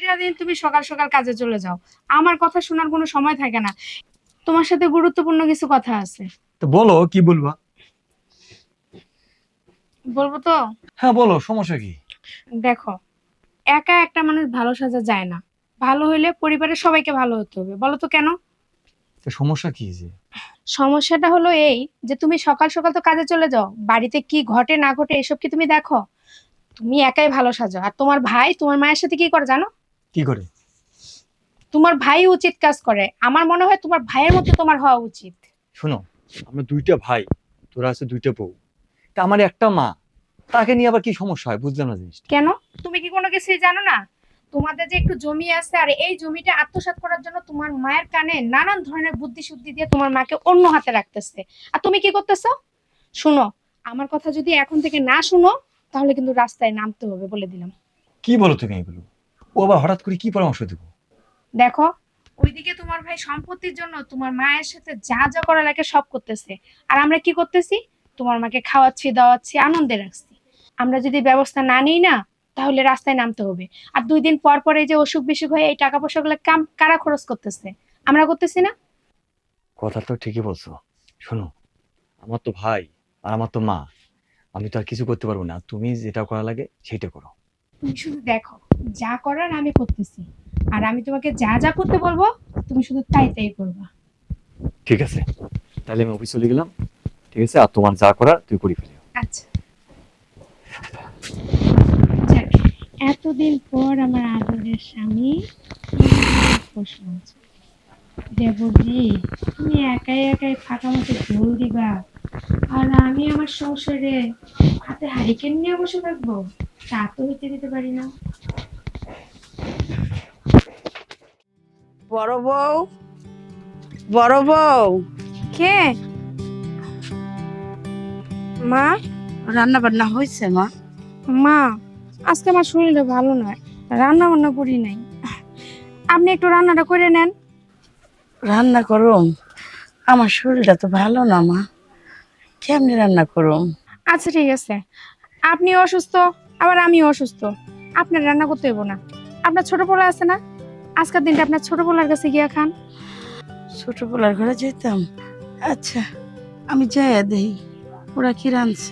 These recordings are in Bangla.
প্রতিটা দিন তুমি সকাল সকাল কাজে চলে যাও, আমার কথা শোনার কোনো সময় থাকে না। তোমার সাথে গুরুত্বপূর্ণ কিছু কথা আছে। তো বলো, কি বলবা? বলবো তো? হ্যাঁ বলো, সমস্যা কি? দেখো, একা একটা মানুষ ভালো সাজা যায় না। ভালো হইলে পরিবারের সবাইকে ভালো হতে হবে। বলো তো কেন? তো সমস্যা কি যে? সমস্যাটা হলো এই যে তুমি সকাল সকাল তো কাজে চলে যাও, বাড়িতে কি ঘটে না ঘটে এসব কি তুমি দেখো? তুমি একাই ভালো সাজো, আর তোমার ভাই তোমার মায়ের সাথে কি করে জানো? কি করে? তোমার ভাই উচিত কাজ করে। আমার মনে হয় তোমার ভাইয়ের মতো তোমার হওয়া উচিত। শোনো, আমরা দুইটা ভাই, তোরা আছে দুইটা বউ, তা আমার একটা মা, তাকে নিয়ে আবার কি সমস্যা হয় বুঝলাম না জিনিসটা। কেন? তুমি কি কোনো কিছুই জানো না? তোমাদের যে একটু জমি আছে, আর এই জমিটা আত্মসাৎ করার জন্য তোমার মায়ের কানে নানান ধরনের বুদ্ধি শুদ্ধি দিয়ে তোমার মাকে অন্য হাতে রাখতেছে। আর তুমি কি করতেছো? শুনো, আমার কথা যদি এখন থেকে না শুনো, তাহলে কিন্তু রাস্তায় নামতে হবে, বলে দিলাম। কি বলো তুমি এগুলো? ও আবার হঠাৎ করে কি পরামর্শ দেবো? দেখো, ওইদিকে তোমার ভাই সম্পত্তির জন্য তোমার মায়ের সাথে যা যা করা লাগে সব করতেছে, আর আমরা কি করতেছি? তোমার মাকে খাওয়াচ্ছি, দাওয়াচ্ছি, আনন্দে রাখছি। আমরা যদি ব্যবস্থা না নিই না, তাহলে রাস্তায় নামতে হবে। আর 2 দিন পর পর এই যে অসুখ বিসুখ হয়ে এই টাকা পয়সাগুলো কারা খরচ করতেছে? আমরা করতেছি না? কথা তো ঠিকই বলছো। শোনো, আমার তো ভাই আর আমার তো মা, আমি তো আর কিছু করতে পারবো না, তুমি যেটা করা লাগে সেটা করো। তুমি শুধু দেখো, যা করার আমি করতেছি, আর আমি তোমাকে যা যা করতে বলবো তুমি শুধু তাই তাই করবা। ঠিক আছে, তাহলে আমি অফিস চলে গেলাম। ঠিক আছে, আর তোমার যা করার তুই করে ফেলিও। আচ্ছা, যাক, এতদিন পর আমার আদরের স্বামী প্রশ্ন আছে। দেবজি, তুমি একাই একাই ফাঁকা মতো ঝোল দিবা, আর আমি আমার সংসারে হাতে হারিকেন নিয়ে বসে থাকবো? তা তো হইতে দিতে পারি না। বড় বউ, বড় বউ, কে? মা? রান্না বান্না হয়েছে মা? মা, আজকে আমার শরীরটা ভালো নয়, রান্না বান্না করি নাই। আপনি একটু রান্নাটা করে নেন। রান্না করুম? আমার শরীরটা তো ভালো না মা, কেমনে রান্না করুম? আচ্ছা ঠিক আছে, আপনি অসুস্থ, আবার আমি অসুস্থ, আপনার রান্না করতে হইব না। আপনার ছোট পোলা আছে না, আজকের দিনটা আপনার ছোট পোলার কাছে গিয়া খান। ছোট পোলার ঘরে যেতাম? আচ্ছা, আমি যাই দেই ওরা কি রাঁধছে।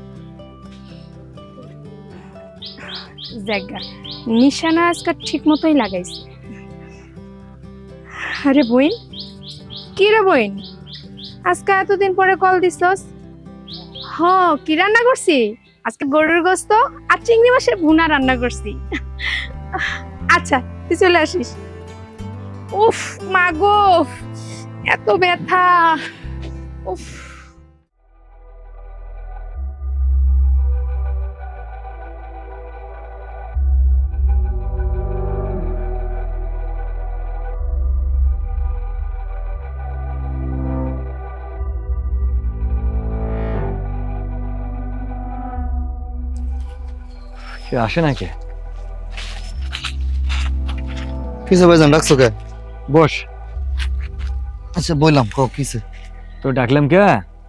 জায়গা নিশানা আজকে ঠিক মতোই লাগাইছে। আরে বইন, কি রে বইন, আজকে এতদিন পরে কল দিছস? হ, কি রান্না করছি? আজকে গরুর গোস্ত আর চিংড়ি মাছের ভুনা রান্না করছি। আচ্ছা, তুই চলে আসিস। উফ মা গো, এত ব্যথা! উফ। সে আসে না কে? কিসে ভাইজান ডাকছো কে? বস। আচ্ছা বললাম কও কিসে? তো ডাকলাম কে,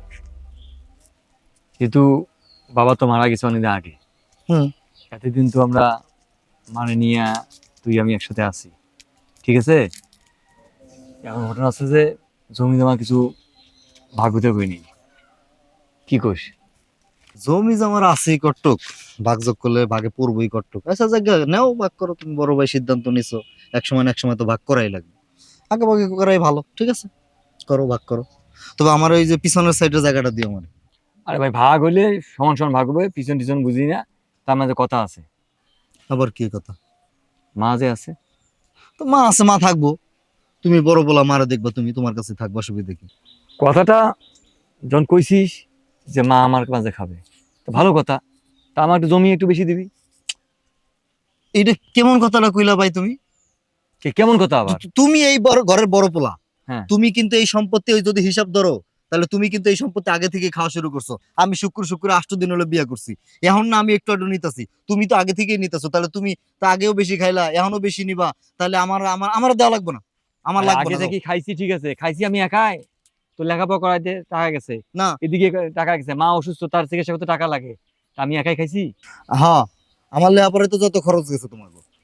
যেহেতু বাবা তো মারা গেছে অনেকদিন আগে। হুম। এতদিন তো আমরা মানে নিয়ে তুই আমি একসাথে আছি, ঠিক আছে? এখন ঘটনা আছে যে জমি জমা কিছু ভাগ হতে হয়নি, কি কইস? জমি জমার আছেই কটুক, ভাগযোগ করলে ভাগে পড়বই কটুক। আচ্ছা জায়গা নেও, ভাগ করো, তুমি বড় ভাই সিদ্ধান্ত নিছো, এক সময় না এক সময় তো ভাগ করাই লাগবে, আগে ভাগে করাই ভালো। ঠিক আছে, করো, ভাগ করো। তবে আমার ওই যে পিছনের সাইডের জায়গাটা দিও মানে। আরে ভাই, ভাগ হইলে সমান সমান ভাগ হবে, পিছন টিছন বুঝি না, তার মাঝে কথা আছে। আবার কি কথা? মা যে আছে। তো মা আছে, মা থাকবো, তুমি বড় বলা মারা দেখবা, তুমি তোমার কাছে থাকবো, অসুবিধা কি? কথাটা যখন কইছিস যে মা আমার মাঝে খাবে, তো ভালো কথা, তা আমার একটু জমি একটু বেশি দিবি। এইটা কেমন কথাটা কইলা ভাই তুমি? কেমন কথা আবার? তুমি এই বড় ঘরের বড় পোলা, হ্যাঁ। তুমি কিন্তু এই সম্পত্তি ওই যদি হিসাব ধরো, তাহলে তুমি কিন্তু এই সম্পত্তি আগে থেকে খাওয়া শুরু করছো। আমি শুক্র শুক্র 8 দিন হলো বিয়ে করছি, এখন না আমি একটু একটু নিতেছি, তুমি তো আগে থেকেই নিতেছো, তাহলে তুমি তো আগেও বেশি খাইলা, এখনো বেশি নিবা, তাহলে আমার আমার আমার দেওয়া লাগবে না, আমার লাগবে আগে না। থেকে খাইছি, ঠিক আছে, খাইছি আমি একাই, তো লেখাপড়া করাইতে টাকা গেছে, না, এদিকে টাকা গেছে, মা অসুস্থ, তার চিকিৎসা করতে টাকা লাগে, তা আমি একাই খাইছি। হ্যাঁ, আমার লেখাপড়ায় তো যত খরচ গেছে তোমার,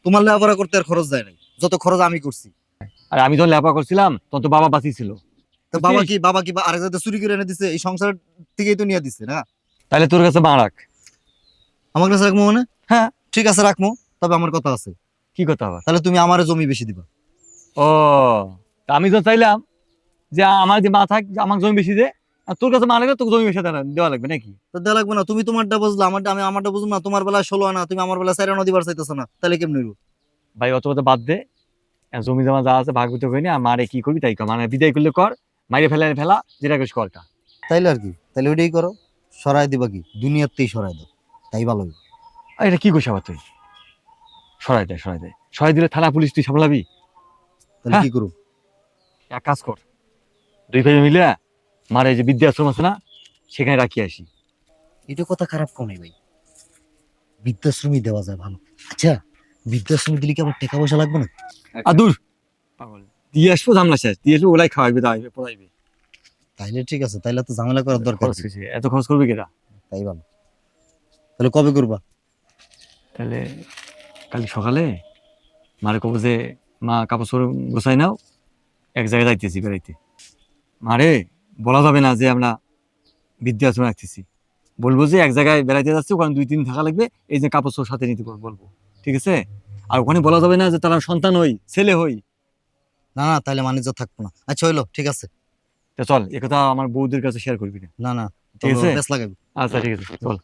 তোমার লেখাপড়া করতে আর খরচ যায় নাই, যত খরচ আমি করছি। আর আমি যখন লেপা করছিলাম তখন তো বাবা বাঁচিয়েছিল। তো বাবা কি আরেক জায়গায় চুরি করে এনে দিছে? এই সংসার থেকেই তো নিয়ে দিছে না? তাহলে তোর কাছে মা রাখ। আমার কাছে রাখবো মানে? হ্যাঁ। ঠিক আছে রাখবো, তবে আমার কথা আছে। কি কথা আবার? তাহলে তুমি আমারে জমি বেশি দিবা। ও, তা আমি তো চাইলাম যে আমার যে মা থাক, আমার জমি বেশি দে, আর তোর কাছে মা লাগলে তোকে জমি বেশি দেওয়া লাগবে নাকি? তো দেওয়া লাগবে না? তুমি তোমারটা বুঝলা, আমি আমারটা বুঝবো না? তোমার বেলায় 16 আনা, তুমি আমার বেলায় 4 আনা দিবার চাইতেছো না, তাহলে কেমন হইব? ভাই অত কথা বাদ দে, জমি জমা যা আছে ভাগ বিতরণ করিনি, আর মারে কি করবি তাই কর, মানে বিদায় করলে কর, মাইরে ফেলা যেটা করিস করটা। তাইলে আর কি, তাইলে ওইটাই করো। সরাই দিবা কি? দুনিয়াতেই সরাই দাও, তাই ভালো হইব। আর এটা কি করছিস আবার তুই? সরাই দে। সরাই দিলে থানা পুলিশ তুই সামলাবি? তাহলে কি করব? এক কাজ কর, 2 ভাই মিলে মারে যে বৃদ্ধাশ্রম আছে না, সেখানে রাখি আসি। এটা কথা খারাপ কোন ভাই, বৃদ্ধাশ্রমই দেওয়া যায় ভালো। আচ্ছা, বৃদ্ধাশ্রমে দিলে কি আমার টাকা পয়সা লাগবে না? আর দূর পাগল, দিয়ে আসবো ঝামলা শেষ, দিয়ে আসবো ওলাই খাওয়াইবে দাওয়াইবে পড়াইবে। তাইলে ঠিক আছে, তাইলে তো ঝামেলা করার দরকার খরচ কি? কিছু এত খরচ করবে কেটা? তাই ভালো। তাহলে কবে করবা? তাহলে কাল সকালে মারে কব যে মা কাপড় চোপড় গোছাই নাও, এক জায়গায় যাইতেছি বেড়াইতে। মারে বলা যাবে না যে আমরা বৃদ্ধাশ্রমে রাখতেছি, বলবো যে এক জায়গায় বেড়াইতে যাচ্ছি, ওখানে 2-3 দিন থাকা লাগবে, এই যে কাপড় চোপড় সাথে নিতে বলবো, ঠিক আছে? আর ওখানে বলা যাবে না যে তারা সন্তান হই, ছেলে হই। না না, তাহলে মানিজ্য থাকবো না। আচ্ছা হইলো, ঠিক আছে। তা চল, একথা আমার বউদের কাছে শেয়ার করবি না। না না, ঠিক আছে? বেশ লাগাবি। আচ্ছা ঠিক আছে, চল।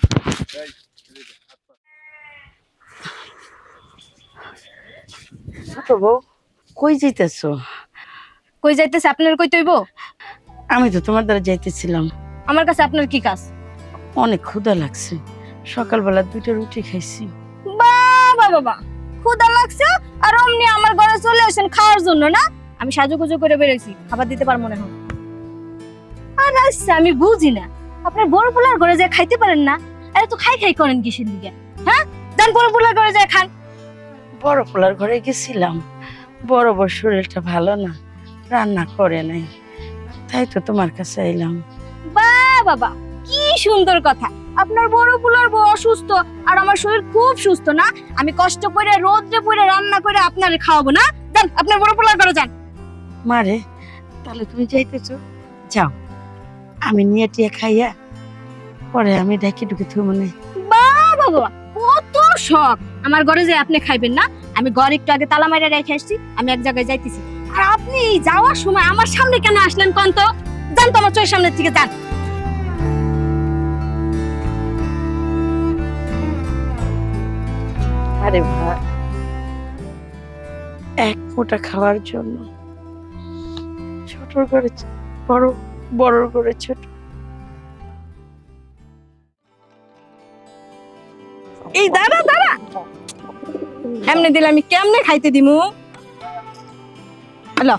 ছোট বউ, কই যাইতেছো? কই যাইতেছে? আপনার কই তৈব? আমি তো তোমার দ্বারা যাইতেছিলাম। আমার কাছে আপনার কি কাজ? অনেক ক্ষুধা লাগছে, সকালবেলা 2টা রুটি খাইছি। বাবা ক্ষুধা লাগছে আর অমনি আমার ঘরে চলে আসেন খাওয়ার জন্য না? আমি সাজুগুজু করে বেরোইছি, খাবার দিতে পারবো না এখন। আর আচ্ছা, আমি বুঝি না আপনার বড় পোলার ঘরে যায় খাইতে পারেন না? আরে তো খাই করেন কিসের লিগে? হ্যাঁ, যান বড় পোলার ঘরে যায় খান। বড় পোলার ঘরে গেছিলাম, বড় বড় শরীরটা ভালো না, রান্না করে নাই, তাই তো তোমার কাছে এলাম। বাবা কি সুন্দর কথা! আপনার বড় পোলার বউ অসুস্থ আর আমার শরীর খুব সুস্থ না? আমি কষ্ট করে রোদ্রে পড়ে রান্না করে আপনারে খাওয়াবো না? যান আপনার বড় পোলার ঘরে যান। মারে, তাহলে তুমি যাইতেছো, যাও, আমি নিয়ে টিয়ে খাইয়া পরে আমি ডাকি ডুকে থু মনে। বাবা কত শখ! আমার ঘরে যে আপনি খাইবেন না? আমি ঘর একটু আগে তালা মাইরা রেখে আসছি, আমি এক জায়গায় যাইতেছি। আর আপনি এই যাওয়ার সময় আমার সামনে কেন আসলেন কোন তো? যান তো আমার চোখের সামনে থেকে যান। আরে ভাই, এক মোটা খাওয়ার জন্য ছোটর করে বড়, বড়র করে ছোট। এই দাঁড়া এমনি দিলে আমি কেমনে খাইতে দিমু? হ্যালো,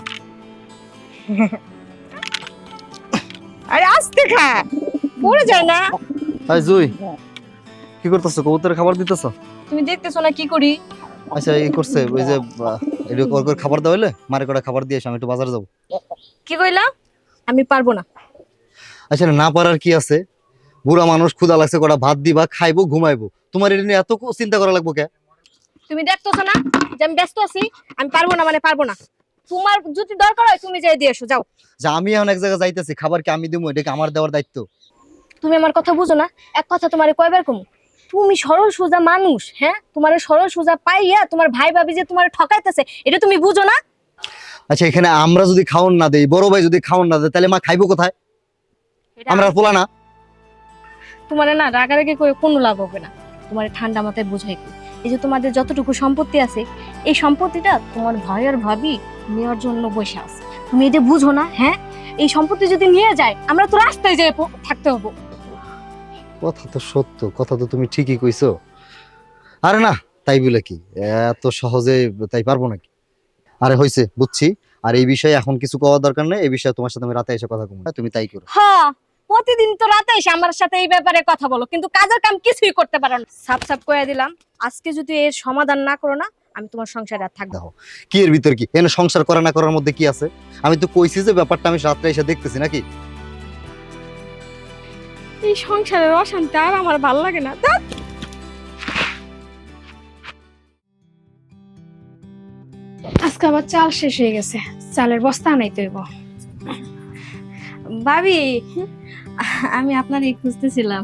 আরে আস্তে খা, পড়ে যায় না। হাই জুই, কি করতেছো? কবুতরের খাবার দিতেছো? তুমি দেখতেছো না কি করি? আচ্ছা, এই করছে ওই যে এটা করে খাবার দাও হইলে মারে কটা খাবার দিয়ে এসো, আমি একটু বাজারে যাবো। কি কইলা? আমি পারবো না। আচ্ছা, না পারার কি আছে? বুড়া মানুষ, ক্ষুধা লাগছে, কটা ভাত দিবা, খাইবো, ঘুমাইবো। তোমার এটা নিয়ে এত চিন্তা করা লাগবো কে? তুমি দেখতেছো না যে আমি ব্যস্ত আছি? আমি পারবো না মানে পারবো না। তোমার যদি দরকার হয় তুমি যাই দিয়ে এসো, যাও। যে আমি এখন এক জায়গায় যাইতেছি, খাবার কি আমি দিবো? এটা কি আমার দেওয়ার দায়িত্ব? তুমি আমার কথা বুঝো না? এক কথা তোমারে কয়বার কমু? তুমি সরল সোজা মানুষ, হ্যাঁ? তোমার সরল সোজা পাইয়া তোমার ভাই ভাবি যে তোমার ঠকাইতেছে, এটা তুমি বুঝো না? আচ্ছা, এখানে আমরা যদি খাওন না দেই, বড় ভাই যদি খাওন না দেয়, তাহলে মা খাইবো কোথায়? আমরা পোলা না? তোমার না রাগারাগি করে কোনো লাভ হবে না। তোমার ঠান্ডা মাথায় বুঝাই কই, এই যে তোমাদের যতটুকু সম্পত্তি আছে, এই সম্পত্তিটা তোমার ভাই আর ভাবি নেওয়ার জন্য বসে আছে। তুমি এটা বুঝো না? হ্যাঁ, এই সম্পত্তি যদি নিয়ে যায় আমরা তো রাস্তায় যেয়ে থাকতে হবো। কথা তো সত্য, কথা তো তুমি ঠিকই কইছো। আরে না, তাই বলে কি এত সহজে তাই পারবো নাকি? আরে হইছে, বুঝছি। আর এই বিষয়ে এখন কিছু কওয়ার দরকার নেই, এই বিষয়ে তোমার সাথে আমি রাতে এসে কথা বলবো, তুমি তাই করো। হ্যাঁ, প্রতিদিন তো রাতে এসে আমার সাথে এই ব্যাপারে কথা বলো, কিন্তু কাজের কাম কিছুই করতে পারো না। সাপ করে দিলাম, আজকে যদি এর সমাধান না করো না, আমি তোমার সংসারে আর থাকবো না। কি এর ভিতর কি? এনে সংসার করা না করার মধ্যে কি আছে? আমি তো কইছি যে ব্যাপারটা আমি রাত্রে এসে দেখতেছি নাকি। এই সংসারের অশান্তি আর আমার ভালো লাগে না। চাল শেষ হয়ে গেছে, চালের বস্তা নাই তৈব। ভাবি, আমি আপনারই খুঁজতেছিলাম।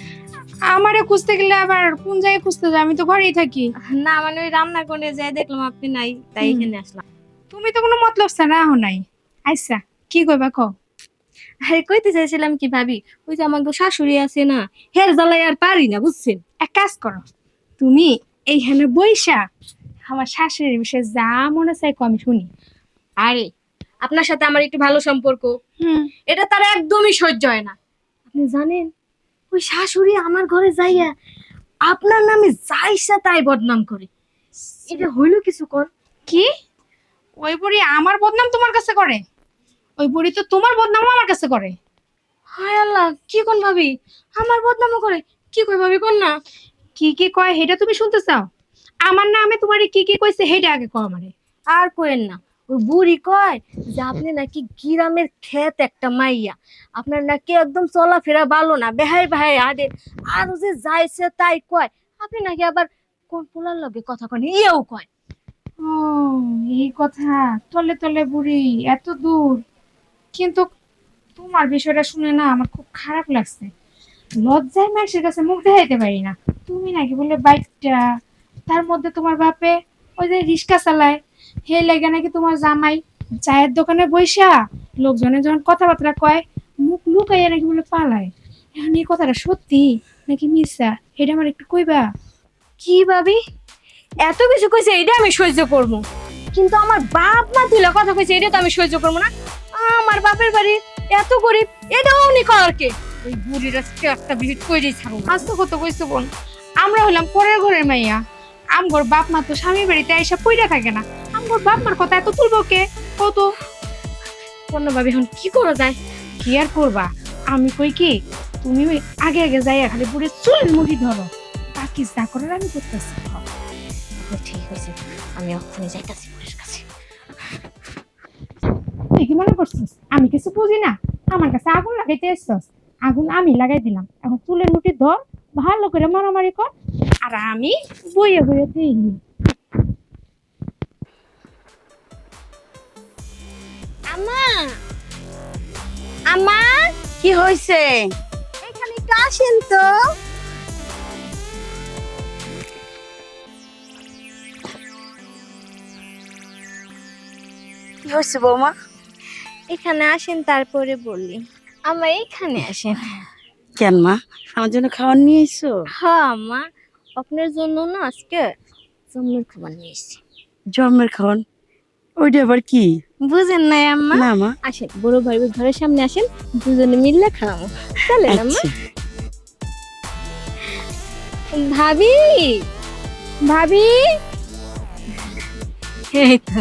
আমারে খুঁজতে গেলে আবার কোন জায়গায় খুঁজতে যাই? আমি তো ঘরেই থাকি। না মানে ওই রান্না করে যাই দেখলাম আপনি নাই, তাই এখানে আসলাম। তুমি তো কোনো মতলব ছাড়া আহো নাই। আচ্ছা কি কইবা কও? আরে কইতে চাইছিলাম কি ভাবি, ওই যে আমার শাশুড়ি আছে না, হের জ্বালাই আর পারি না বুঝছেন। এক কাজ করো, তুমি এইখানে বইসা আমার শাশুড়ির বিষয়ে যা মনে চাই আমি শুনি। আরে আপনার সাথে আমার একটু ভালো সম্পর্ক, এটা তার একদমই সহ্য হয় না। আপনি জানেন ওই শাশুড়ি আমার ঘরে যাইয়া আপনার নামে যাইসা তাই বদনাম করে। এটা হইলো কিছু কর কি? ওই বুড়ি আমার বদনাম তোমার কাছে করে? ওই বুড়ি তো তোমার বদনাম আমার কাছে করে। হায় আল্লাহ, কি কোন ভাবি আমার বদনামও করে? কি কই ভাবি কোন না। কি কি কয় সেটা তুমি শুনতে চাও? আমার নামে তোমারে কি কি কইছে সেটা আগে কও আমারে। আর কোয়েন না, ওই বুড়ি কয় যে আপনি নাকি গ্রামের ক্ষেত একটা মাইয়া, আপনার নাকি একদম চলাফেরা ভালো না, বেহাই বেহাই আদে, আর ও যে যাইছে তাই কয়। আপনি নাকি আবার কোন পোলার লগে কথা কন ইয়েও কয়। ও এই কথা, তলে তলে বুড়ি এত দূর। কিন্তু তোমার বিষয়টা শুনে না আমার খুব খারাপ লাগছে। লজ্জায় মানুষের কাছে মুখ দেখাইতে পারি না। তুমি নাকি বলে বাইকটা, তার মধ্যে তোমার বাপে ওই যে রিক্সা চালায়, হে লেগে নাকি তোমার জামাই চায়ের দোকানে বইসা লোকজনে যখন কথাবার্তা কয় মুখ লুকাইয়া নাকি বলে পালায়। এখন এই কথাটা সত্যি নাকি মিথ্যা এটা আমার একটু কইবা? কি ভাবি এত কিছু কইছে এটা আমি সহ্য করবো, কিন্তু আমার বাপ মা তুলে কথা কইছে এটা তো আমি সহ্য করবো না। আমার বাপের বাড়ি এত গরিব, এটাও উনি কর কে? ওই বুড়ির আজকে একটা ভিজিট কইরেই ছাড়বো। আজ তো কত কইছো বোন, আমরা হলাম পরের ঘরের মাইয়া। আমগর বাপ মা তো স্বামী বাড়িতে এসে পইরা থাকে না। আমগর বাপ মার কথা এত তুলবো কে? কত অন্য ভাবি এখন কি করা যায়? কি আর করবা? আমি কই কি, তুমি ওই আগে আগে যাইয়া খালি পুরো চুলের মুঠি ধরো, বাকি যা করার আমি করতেছি। ঠিক আছে, আমি ওখানে যাইতাছি বুড়ির কাছে। তুই কি মনে করছিস আমি কিছু বুঝি না? আমার কাছে আগুন লাগাইতে এসছস, আগুন আমি লাগাই দিলাম। এখন চুলের মুঠি ধর, ভালো করে মারামারি কর, আর আমি বইয়ে বইয়ে দিই। আম্মা, আম্মা, কি হয়েছে? এখানে একটু আসেন তো। কি হয়েছে বৌমা? এখানে আসেন তারপরে বললি। আম্মা এখানে আসেন। কেন মা, আমার জন্য খাবার নিয়ে এসো? হ্যাঁ আম্মা, আপনার জন্য না আজকে জন্মের খাবার নিয়ে এসেছি। জন্মের খাওয়ান? ওইটা আবার কি? বুঝেন নাই আম্মা? না মা। আসেন বড় ভাই ঘরের সামনে আসেন, দুজনে মিললে খাওয়াবো। চলেন আম্মা। আচ্ছা। ভাবি, ভাবি, এই তো।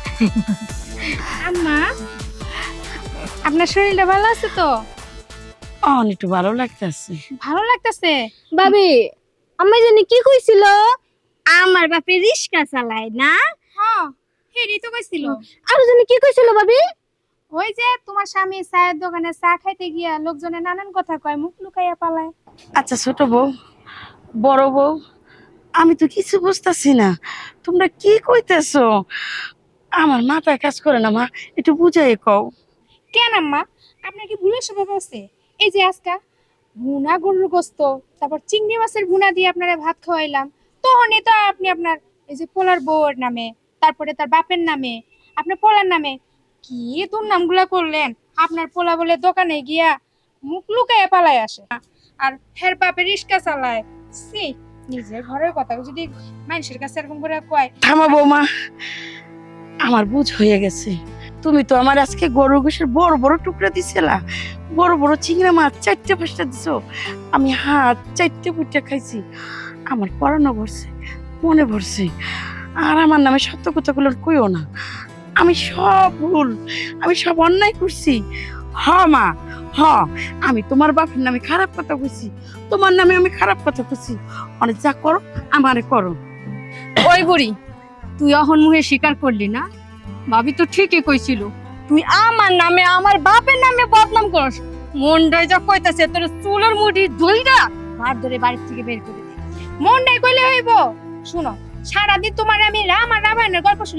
আম্মা আপনার শরীরটা ভালো আছে তো? একটু ভালো লাগতেছে। ভালো লাগতেছে? ভাবি, আম্মা জানি কি কইছিল? আমার বাপে রিক্সা চালায় না? হ্যাঁ হেডি তো কইছিল। আর জানি কি কইছিল ভাবি? ওই যে তোমার স্বামী চায়ের দোকানে চা খাইতে গিয়া লোকজনে নানান কথা কয়, মুখ লুকাইয়া পালায়। আচ্ছা ছোট বউ, বড় বউ, আমি তো কিছু বুঝতেছি না, তোমরা কি কইতেছো? আমার মাথায় কাজ করে না মা, একটু বুঝাই কও। কেন আম্মা, আপনার কি ভুলের স্বভাব আছে? এই যে আজকা ভুনা গরুর গোস্ত, তারপর চিংড়ি মাছের ভুনা দিয়ে আপনারা ভাত খাওয়াইলাম, তখনই তো আপনি আপনার এই যে পোলার বউয়ের নামে, তারপরে তার বাপের নামে, আপনার পোলার নামে কি দুর্নামগুলা করলেন। আপনার পোলা বলে দোকানে গিয়া মুখ লুকাইয়া পালায় আসে, আর হের বাপে রিক্সা চালায়। সি, নিজের ঘরের কথা যদি মানুষের কাছে এরকম করে কয়। থামা বৌমা, আমার বুঝ হয়ে গেছে। তুমি তো আমার আজকে গরুর গোশের বড় বড় টুকরা দিছিলা, বড় বড় চিংড়া মাছ 4-5টা দিছো, আমি হাত 4-5টা খাইছি। আমার পরানো ভরছে, মনে ভরছে। আর আমার নামে সত্য কথাগুলো কইও না। আমি সব ভুল, আমি সব অন্যায় করছি। হ মা, হ, আমি তোমার বাপের নামে খারাপ কথা কইছি, তোমার নামে আমি খারাপ কথা কইছি। অনেক যা করো আমারে করো। ওই বুড়ি, তুই অহন মুখে স্বীকার করলি না? ভাবি তো ঠিকই কইছিল, তুই আমার নামে আমার বাপের নামে বদনাম করস। মনটাই যা কইতাছে তোর চুলের মুঠি ধইরা ভাত ধরে বাড়ি থেকে বের করে দে। মন নাই কইলে হইব? শুনো, সারাদিন তোমার আমি রাম আর রামায়ণের গল্প শুনলাম,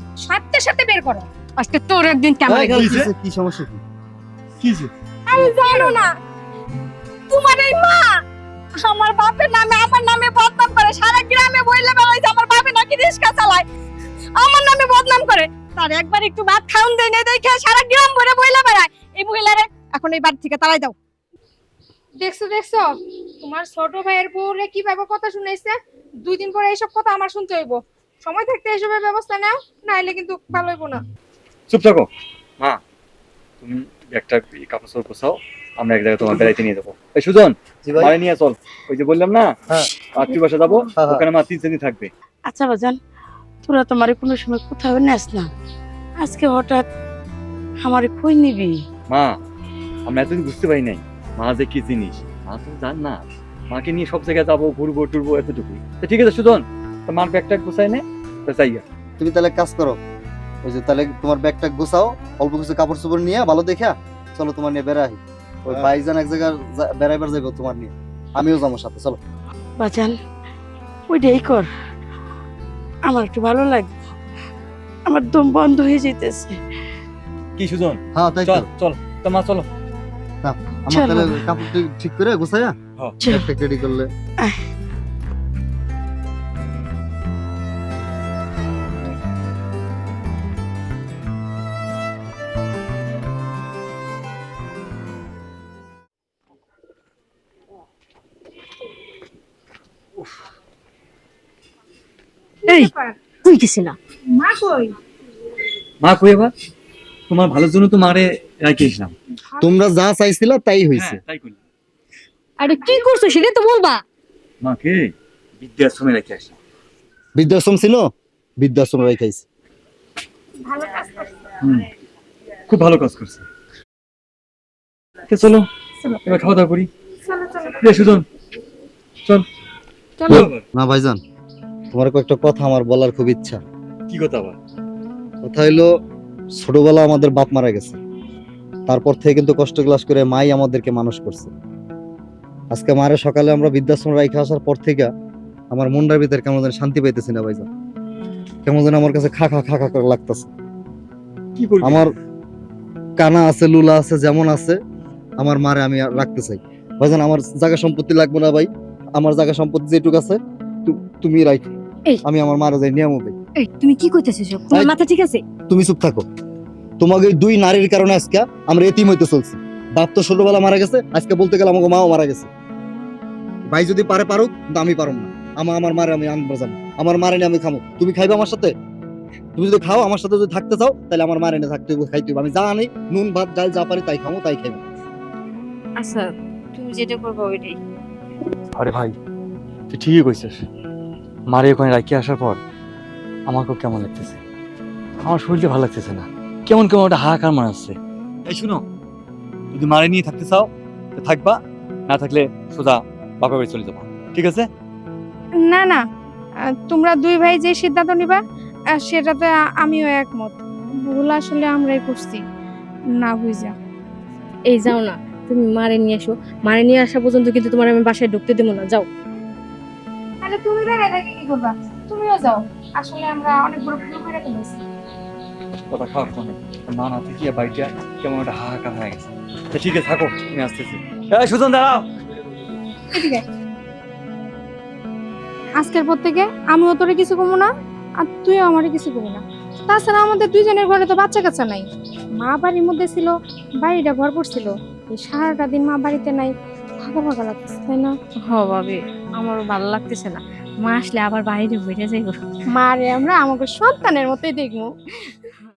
সাথে সাথে বের করো, আজকে তোর একদিন কেমন এই, গেল। কি সমস্যা কি? কি হয়েছে? আমি জানো না, তোমার এই মা আমার বাপের নামে আমার নামে বদনাম করে, সারা গ্রামে বইলে বেড়াইছে আমার বাপে নাকি রিক্সা চালায়, আমার নামে বদনাম করে। তার একবার একটু ভাত খাওন দেয় না, দেখে সারা গ্রাম ভরে বইলে বেড়ায়। এই মহিলারে এখন এই বাড়ি থেকে তাড়াই দাও। দেখছো দেখছো, তোমার ছোট ভাইয়ের বউরে কিভাবে কথা শুনাইছে। 2 দিন পরে এইসব কথা আমার শুনতে হইব। সময় থাকতে এসবের ব্যবস্থা নাও, নাইলে কিন্তু ভালো হইব না। চুপ থাকো মা, তুমি একটা কাপড় চোপড় গোছাও, আমরা এক জায়গায় তোমার বেড়াইতে নিয়ে যাবো। এই সুজন, জি ভাই। মারে নিয়ে চল, ওই যে বললাম না হ্যাঁ। আত্মীয় বাসা যাবো, হ্যাঁ, হ্যাঁ। ওখানে মা 3 দিন থাকবে। আচ্ছা বাজান, তোরা তোমার কোনো সময় কোথাও নেস না, আজকে হঠাৎ আমারে কই নিবি? মা, আমরা এতদিন বুঝতে পারি নাই মা যে কি জিনিস। মা তো জান না, মাকে নিয়ে সব জায়গায় যাবো, ঘুরবো টুরবো, এতটুকুই। তো ঠিক আছে সুজন, তো মার ব্যাগটা গোছাই নে, তো যাইয়া। তুমি তাহলে এক কাজ করো, ওই যে তাহলে তোমার ব্যাগটা গোছাও, অল্প কিছু কাপড় চোপড় নিয়ে ভালো দেখা চলো তোমার নিয়ে বেড়াই। ওই ভাইজান এক জায়গায় বেড়াইবার যাইবো তোমার নিয়ে, আমিও যাবো সাথে, চলো। বাজান ওইটাই কর, আমার একটু ভালো লাগবে, আমার দম বন্ধ হয়ে যেতেছে। কি সুজন, হ্যাঁ তাই তো। চল চল, তো মা চলো। আমার চলো। তাহলে কাপড় ঠিক করে গোছায়া হ্যাঁ। চলো। ব্যাগটা রেডি করলে। এই তুই গেছিলা? মা কই? মা কই আবার? তোমার ভালোর জন্য তো মারে রাখি এসলাম। তোমরা যা চাইছিলা তাই হইছে। তাই করি। আরে কি করছো সেটা তো বলবা। মাকে বৃদ্ধাশ্রমে রেখে আসলাম। বৃদ্ধাশ্রম ছিল, বৃদ্ধাশ্রম রেখাইছে। ভালো কাজ করছো। খুব ভালো কাজ করছে। তো চলো চলো। এবার খাওয়া দাওয়া করি। চলো চলো রে সুজন, চল। চলো। না ভাইজান, তোমার কয়েকটা কথা আমার বলার খুব ইচ্ছা। কি কথা আবার? কথা হইলো, ছোটবেলা আমাদের বাপ মারা গেছে, তারপর থেকে কিন্তু কষ্ট ক্লাস করে মাই আমাদেরকে মানুষ করছে। আজকে মারে সকালে আমরা বৃদ্ধাশ্রম রাইখে আসার পর থেকে আমার মনটার ভিতরে কেমন যেন শান্তি পাইতেছি না ভাইজান, কেমন যেন আমার কাছে খা খা খা খা করে লাগতেছে। কি করবি? আমার কানা আছে, লুলা আছে, যেমন আছে আমার মারে আমি রাখতে চাই ভাইজান। আমার জায়গা সম্পত্তি লাগবে না ভাই, আমার জায়গা সম্পত্তি যেটুকু আছে তুমি রাখো, এই। আমি আমার মারে যাই নিয়ম ভাই। এই তুমি কি কইতেছিস? তোমার এই। মাথা ঠিক আছে? তুমি চুপ থাকো, তোমাকে এই 2 নারীর কারণে আজকে আমরা এতিম হইতে চলছি। বাপ তো ছোটবেলা মারা গেছে, আজকে বলতে গেলে আমাকে মাও মারা গেছে। ভাই যদি পারে পারুক, কিন্তু আমি পারুম না। আমার মারে আমি আনবো যাবো, আমার মারে নিয়ে আমি খামো। তুমি খাইবে আমার সাথে? তুমি যদি খাও আমার সাথে, যদি থাকতে চাও তাহলে আমার মারে নিয়ে থাকতে হইব, খাইতে হইব। আমি যা আনি নুন ভাত ডাল যা পারি তাই খামো, তাই খাইবো। আচ্ছা তুমি যেটা করবে ওইটাই। আরে ভাই, তুই ঠিকই কইছিস। মারে ওখানে রাখি আসার পর আমাকেও কেমন লাগতেছে, আমার শরীরটা ভালো লাগতেছে না, কেমন কেমন একটা হাহাকার মনে হচ্ছে। এই শুনো, যদি মারে নিয়ে থাকতে চাও তো থাকবা, না থাকলে সোজা বাপের বাড়ি চলে যাবো, ঠিক আছে? না না, তোমরা 2 ভাই যে সিদ্ধান্ত নিবা সেটাতে আমিও একমত। ভুল আসলে আমরাই করছি না বুঝা। এই যাও না, তুমি মারে নিয়ে এসো, মারে নিয়ে আসা পর্যন্ত কিন্তু তোমার আমি বাসায় ঢুকতে দেবো না। যাও। তাহলে তুমি দাঁড়ায় থেকে কি করবা? তুমিও যাও, আসলে আমরা অনেক বড় ভুল করে ফেলেছি। কথা খাওয়ার শোনো, মা না থেকে বাড়িটা কেমন একটা হাহাকার হয়ে গেছে। তো ঠিক আছে, থাকো, তুমি আসতেছি। এই সুজন, দাঁড়াও। এদিকে আজকের পর থেকে আমিও তোরে কিছু কমু না, আর তুইও আমারে কিছু কমু না। তাছাড়া আমাদের 2 জনের ঘরে তো বাচ্চা কাচ্চা নাই। মা বাড়ির মধ্যে ছিল, বাড়িটা ঘর পড়ছিল, এই সারাটা দিন মা বাড়িতে নাই, ফাঁকা ফাঁকা লাগতেছে, তাই না? হ ভাবি, আমারও ভালো লাগতেছে না, মা আসলে আবার বাইরে বেড়ে যাইব। মারে আমরা আমাকে সন্তানের মতোই দেখবো।